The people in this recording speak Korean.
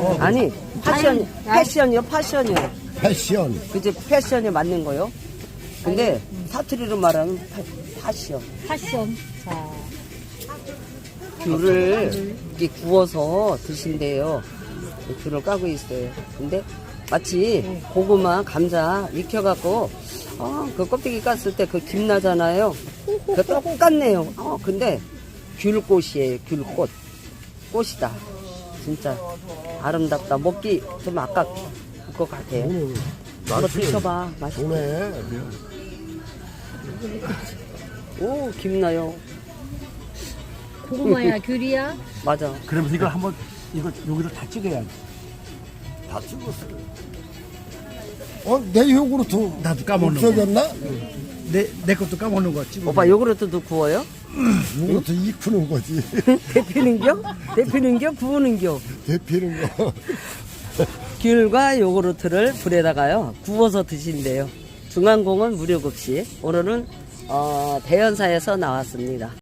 아니, 패션이요, 패션이요. 패션. 그치, 패션에 맞는 거요. 근데 사투리로 말하면 패션. 패션. 자, 귤을 이렇게 구워서 드신대요. 귤을 까고 있어요. 근데 마치 고구마, 감자 익혀갖고 그 껍데기 깠을 때 그 김 나잖아요. 그 똑같네요. 근데 귤꽃이에요. 귤꽃. 꽃이다. 진짜 아름답다. 먹기 좀 아깝 것 같아요. 한번 드셔봐. 맛있어. 좋네. 오, 김 나요. 고구마야, 귤이야? 맞아. 그러면서 이걸 한번 이거 여기로 다 찍어야지. 다 찍었어요. 내 요구르트 나도 까먹는 거. 없어졌나? 내 것도 까먹는 거 찍어. 오빠 요구르트도 구워요? 요구르트 익히는 거지. 데피는겨? 데피는겨? 구우는겨? 데피는 거. 귤과 요구르트를 불에다가요 구워서 드신대요. 중앙공원 무료급식. 오늘은 대연사에서 나왔습니다.